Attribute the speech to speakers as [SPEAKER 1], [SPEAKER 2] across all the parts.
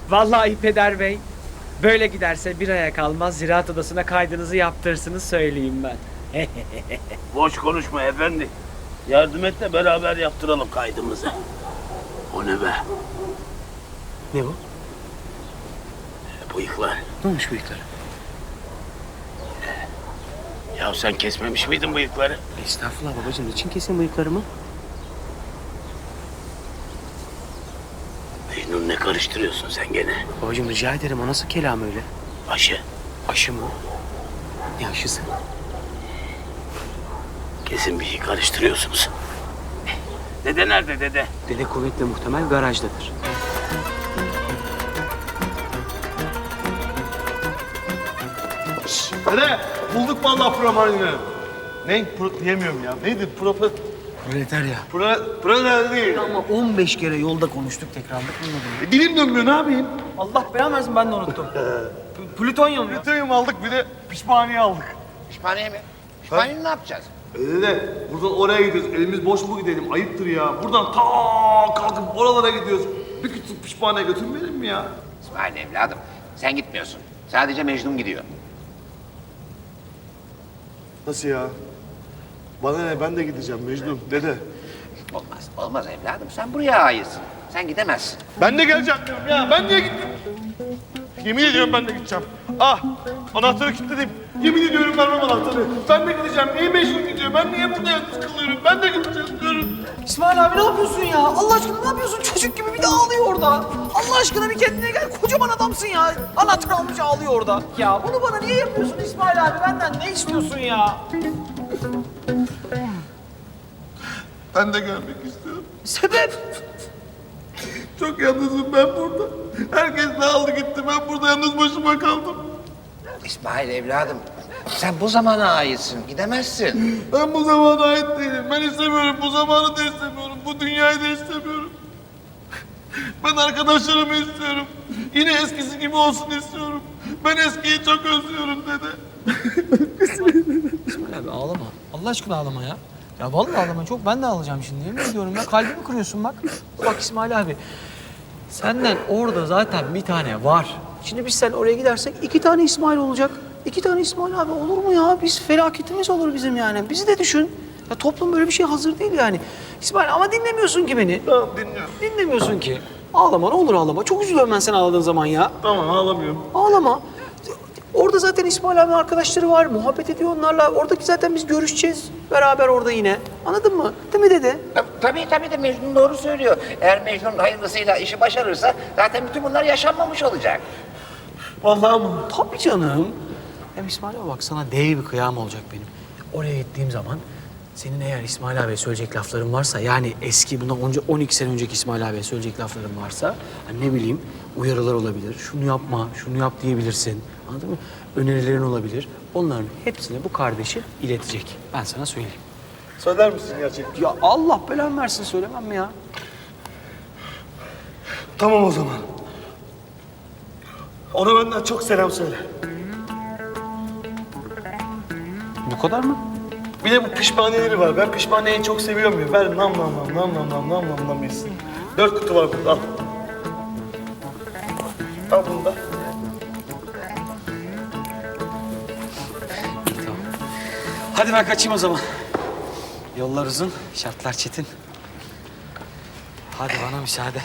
[SPEAKER 1] Vallahi Peder Bey, böyle giderse bir aya kalmaz Ziraat Odası'na kaydınızı yaptırsınız söyleyeyim ben.
[SPEAKER 2] Boş konuşma efendi. Yardım et de beraber yaptıralım kaydımızı. O ne be?
[SPEAKER 1] Ne bu?
[SPEAKER 2] Bıyıklar.
[SPEAKER 1] Ne olmuş bıyıkları?
[SPEAKER 2] Ya sen kesmemiş miydin bıyıkları?
[SPEAKER 1] Estağfurullah babacığım, niçin kesin bıyıklarımı?
[SPEAKER 2] Mecnun ne karıştırıyorsun sen gene?
[SPEAKER 1] Babacığım rica ederim, o nasıl kelam öyle?
[SPEAKER 2] Aşı.
[SPEAKER 1] Aşı mı? Ne aşısı?
[SPEAKER 2] Kesin bir şey karıştırıyorsunuz. Dede nerede dede?
[SPEAKER 1] Dede kuvvetle muhtemel garajdadır.
[SPEAKER 3] Dede bulduk vallahi promarını. Ne? Diyemiyorum ya. Neydi?
[SPEAKER 1] Proletarya.
[SPEAKER 3] Pro değil.
[SPEAKER 1] Ama 15 kere yolda konuştuk, tekrarlık bulmadım.
[SPEAKER 3] Dilim dönmüyor, ne yapayım?
[SPEAKER 1] Allah belanı versin, ben de unuttum. Plütonyum ya.
[SPEAKER 3] Plütonyum aldık, bir de pişmaniye aldık.
[SPEAKER 4] Pişmaniye mi? Pişmaniye ne yapacağız?
[SPEAKER 3] Dede buradan oraya gidiyoruz. Elimiz boş mu gidelim? Ayıptır ya. Buradan ta kalkıp oralara gidiyoruz. Bir küçük pişmaniye götürmeyelim mi ya?
[SPEAKER 4] İsmail evladım, sen gitmiyorsun. Sadece Mecnun gidiyor.
[SPEAKER 3] Nasıl ya? Bana ne? Ben de gideceğim Mecnun. Dede.
[SPEAKER 4] Olmaz, olmaz evladım. Sen buraya aitsin. Sen gidemezsin.
[SPEAKER 3] Ben de geleceğim diyorum ya. Ben niye gittim? Yemin ediyorum ben de gideceğim. Ah! Anahtarı kilitledim. Yemin ediyorum vermem anahtarı. Ben de gideceğim. Niye Mecnun gidiyor? Ben niye burada yalnız kalıyorum? Ben de gideceğim diyorum.
[SPEAKER 5] İsmail abi ne yapıyorsun ya? Allah aşkına ne yapıyorsun? Çocuk gibi bir de ağlıyor orada. Allah aşkına bir kendine gel. Kocaman adamsın ya. Anahtar almış ağlıyor orada. Ya bunu bana niye yapıyorsun İsmail abi? Benden ne istiyorsun ya?
[SPEAKER 3] Ben de gelmek istiyorum.
[SPEAKER 5] Sebep?
[SPEAKER 3] Çok yalnızım ben burada. Herkes dağıldı gitti. Ben burada yalnız başıma kaldım.
[SPEAKER 4] İsmail evladım, sen bu zamana aitsin. Gidemezsin.
[SPEAKER 3] Ben bu zamana ait değilim. Ben istemiyorum. Bu zamanı da istemiyorum. Bu dünyayı da istemiyorum. Ben arkadaşlarımı istiyorum. Yine eskisi gibi olsun istiyorum. Ben eskiyi çok özlüyorum dede.
[SPEAKER 5] İsmail abi ağlama. Allah aşkına ağlama ya. Ya vallahi ağlama. Çok ben de ağlayacağım şimdi. Yemin ediyorum ya. Kalbimi kırıyorsun bak. Bak İsmail abi. Senden orada zaten bir tane var. Şimdi biz sen oraya gidersek 2 tane İsmail olacak. 2 tane İsmail abi olur mu ya? Biz felaketimiz olur bizim yani. Bizi de düşün. Ya toplum böyle bir şey hazır değil yani. İsmail ama dinlemiyorsun ki beni.
[SPEAKER 3] Tamam dinliyorum.
[SPEAKER 5] Dinlemiyorsun ki. Ağlama ne olur ağlama. Çok üzülüyorum ben sen ağladığın zaman ya.
[SPEAKER 3] Tamam ağlamıyorum.
[SPEAKER 5] Ağlama. Orada zaten İsmail abi arkadaşları var. Muhabbet ediyor onlarla. Oradaki zaten biz görüşeceğiz. Beraber orada yine. Anladın mı? Değil mi dede?
[SPEAKER 4] Tabii de Mecnun doğru söylüyor. Eğer Mecnun hayırlısıyla işi başarırsa zaten bütün bunlar yaşanmamış olacak.
[SPEAKER 3] Vallahi mı?
[SPEAKER 5] Tabii canım. Hem İsmail abi bak sana dev bir kıyam olacak benim. Oraya gittiğim zaman senin eğer İsmail abiye söyleyecek lafların varsa yani eski bundan önce 12 sene önceki İsmail abiye söyleyecek lafların varsa hani ne bileyim uyarılar olabilir. Şunu yapma, şunu yap diyebilirsin. Anladın mı? Önerilerin olabilir. Onların hepsini bu kardeşi iletecek. Ben sana söyleyeyim.
[SPEAKER 3] Söyler misin gerçekten?
[SPEAKER 5] Ya Allah belanı versin söylemem mi ya?
[SPEAKER 3] Tamam o zaman. Ona benden çok selam söyle.
[SPEAKER 5] Bu kadar mı?
[SPEAKER 3] Bir de bu pişmaniyeleri var. Ben pişmaniyeyi çok seviyorum ya. Ver nam yesin. 4 kutu var burada al. Al bunu da.
[SPEAKER 5] İyi tamam. Hadi ben kaçayım o zaman. Yollar uzun, şartlar çetin. Hadi bana müsaade.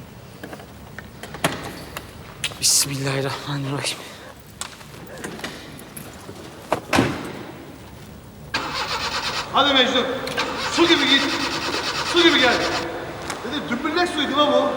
[SPEAKER 5] Bismillahirrahmanirrahim.
[SPEAKER 3] Hadi Mecnun. Su gibi git. Su gibi gel. Dedi dümbüllek suydu lan bu.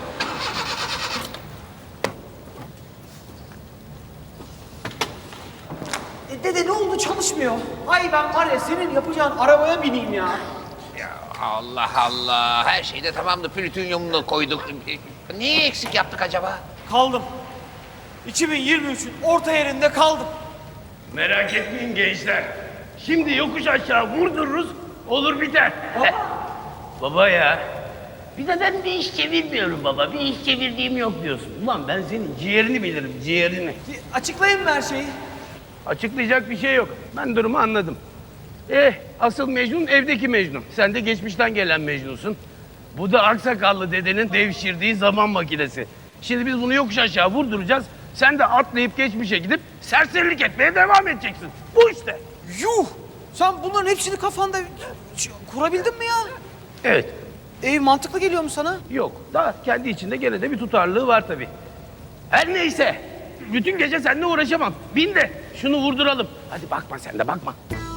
[SPEAKER 5] Dede ne oldu çalışmıyor. Ay ben var ya senin yapacağın arabaya bineyim ya.
[SPEAKER 4] Ya Allah Allah, her şeyde tamamdı. Plütonyumunu koyduk. Niye eksik yaptık acaba?
[SPEAKER 5] Kaldım. 2023'ün orta yerinde kaldım.
[SPEAKER 2] Merak etmeyin gençler. Şimdi yokuş aşağı vurdururuz, olur biter. Baba ya. Bir de ben bir iş çevirmiyorum baba. Bir iş çevirdiğim yok diyorsun. Ulan ben senin ciğerini bilirim, ciğerini.
[SPEAKER 5] Açıklayayım mı her şeyi?
[SPEAKER 2] Açıklayacak bir şey yok. Ben durumu anladım. Asıl Mecnun evdeki Mecnun. Sen de geçmişten gelen Mecnunsun. Bu da aksakallı dedenin devşirdiği zaman makinesi. Şimdi biz bunu yokuş aşağı vurduracağız. Sen de atlayıp geçmişe gidip serserilik etmeye devam edeceksin. Bu işte.
[SPEAKER 5] Yuh! Sen bunların hepsini kafanda kurabildin mi ya?
[SPEAKER 2] Evet.
[SPEAKER 5] Mantıklı geliyor mu sana?
[SPEAKER 2] Yok. Daha kendi içinde gene de bir tutarlılığı var tabii. Her neyse. Bütün gece seninle uğraşamam. Bin de şunu vurduralım. Hadi bakma sen de bakma.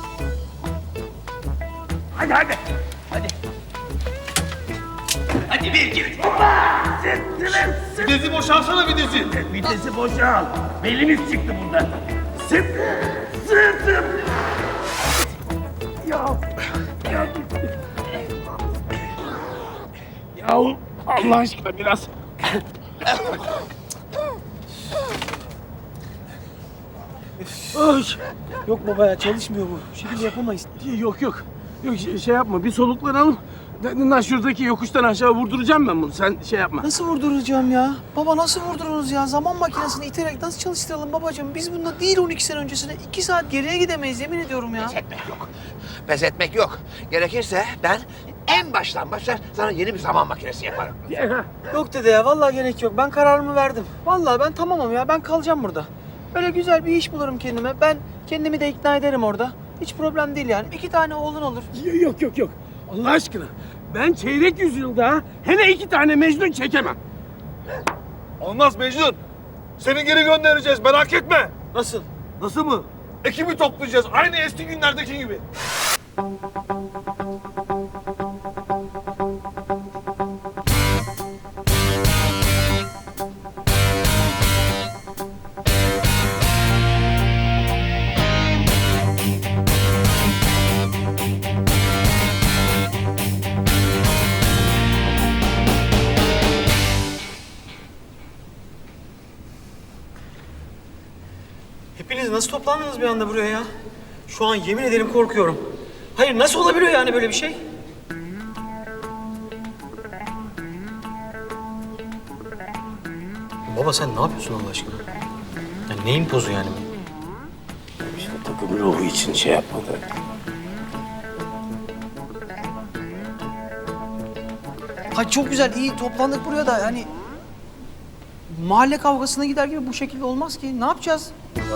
[SPEAKER 2] Hadi hadi. Hadi. Hadi bir iki üç. Hoppa! Sıt.
[SPEAKER 3] Vitesi boşalsana vitesi.
[SPEAKER 2] Vitesi boşal. Belimiz çıktı burada. Sıt. Sıt. Ya. Ya. Yahu Allah aşkına biraz. Ay.
[SPEAKER 5] Yok baba ya çalışmıyor bu. Bu şekilde yapamayız.
[SPEAKER 2] Yok. Yok şey yapma bir soluklanalım. Şuradaki yokuştan aşağı vurduracağım ben bunu. Sen şey yapma.
[SPEAKER 5] Nasıl vurduracağım ya? Baba nasıl vurdururuz ya? Zaman makinesini iterek nasıl çalıştıralım babacığım? Biz bunda değil 12 sene öncesine 2 saat geriye gidemeyiz yemin ediyorum ya.
[SPEAKER 4] Pes etmek yok. Pes etmek yok. Gerekirse ben en baştan başlar sana yeni bir zaman makinesi yaparım.
[SPEAKER 5] Yok dede ya vallahi gerek yok. Ben kararımı verdim. Vallahi ben tamamım ya. Ben kalacağım burada. Böyle güzel bir iş bulurum kendime. Ben kendimi de ikna ederim orada. Hiç problem değil yani. 2 tane oğlun olur.
[SPEAKER 2] Yok. Allah aşkına. Ben çeyrek yüzyılda hele 2 tane Mecnun çekemem.
[SPEAKER 3] Olmaz Mecnun. Seni geri göndereceğiz merak etme.
[SPEAKER 5] Nasıl?
[SPEAKER 3] Nasıl mı? Ekibi toplayacağız aynı eski günlerdeki gibi.
[SPEAKER 5] Hepiniz nasıl toplandınız bir anda buraya ya? Şu an yemin ederim korkuyorum. Hayır nasıl olabiliyor yani böyle bir şey? Baba sen ne yapıyorsun Allah aşkına? Ya neyin pozu yani bu?
[SPEAKER 2] İşte takım ruhu için şey yapmadı.
[SPEAKER 5] Hayır çok güzel iyi toplandık buraya da yani... Mahalle kavgasına gider gibi bu şekilde olmaz ki. Ne yapacağız?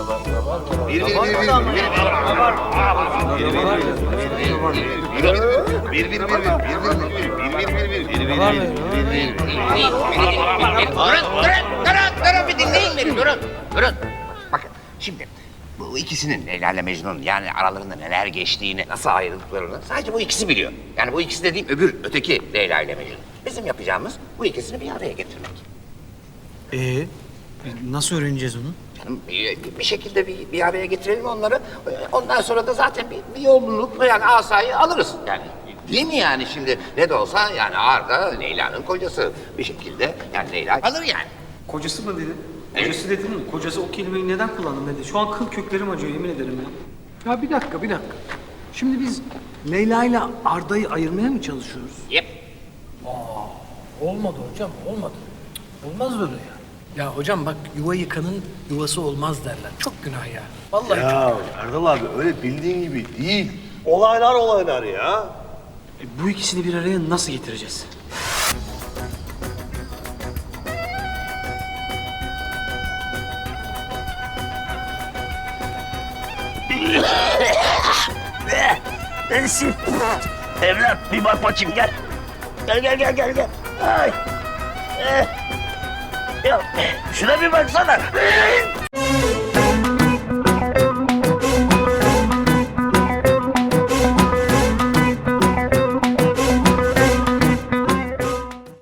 [SPEAKER 4] Durun bir dinleyin beni durun. Bakın şimdi bu ikisinin Leyla ile Mecnun yani aralarında neler geçtiğini, nasıl ayrıldıklarını sadece bu ikisi biliyor. Yani bu ikisi dediğim öteki Leyla ile Mecnun. Bizim yapacağımız bu ikisini bir araya getirmek.
[SPEAKER 5] Nasıl öğreneceğiz onu?
[SPEAKER 4] Canım bir şekilde bir araya getirelim onları. Ondan sonra da zaten bir yolluluk yani asayı alırız yani. Değil mi yani şimdi ne de olsa yani Arda Leyla'nın kocası bir şekilde yani Leyla alır yani.
[SPEAKER 5] Kocası mı dedi? Kocası dedin mi? Kocası o kelimeyi neden kullandın dedi. Şu an kıl köklerim acıyor yemin ederim ya.
[SPEAKER 6] Ya bir dakika. Şimdi biz Leyla ile Arda'yı ayırmaya mı çalışıyoruz?
[SPEAKER 4] Yep.
[SPEAKER 6] Olmadı hocam, olmadı. Olmaz böyle ya. Ya hocam bak yuva yıkanın yuvası olmaz derler. Çok günah ya. Vallahi
[SPEAKER 3] Ya Erdal abi öyle bildiğin gibi değil. Olaylar ya.
[SPEAKER 5] Bu ikisini bir araya nasıl getireceğiz?
[SPEAKER 2] Ensin. Evlat bir bak bakayım gel. Gel. Ay. Ya şuna bir baksana.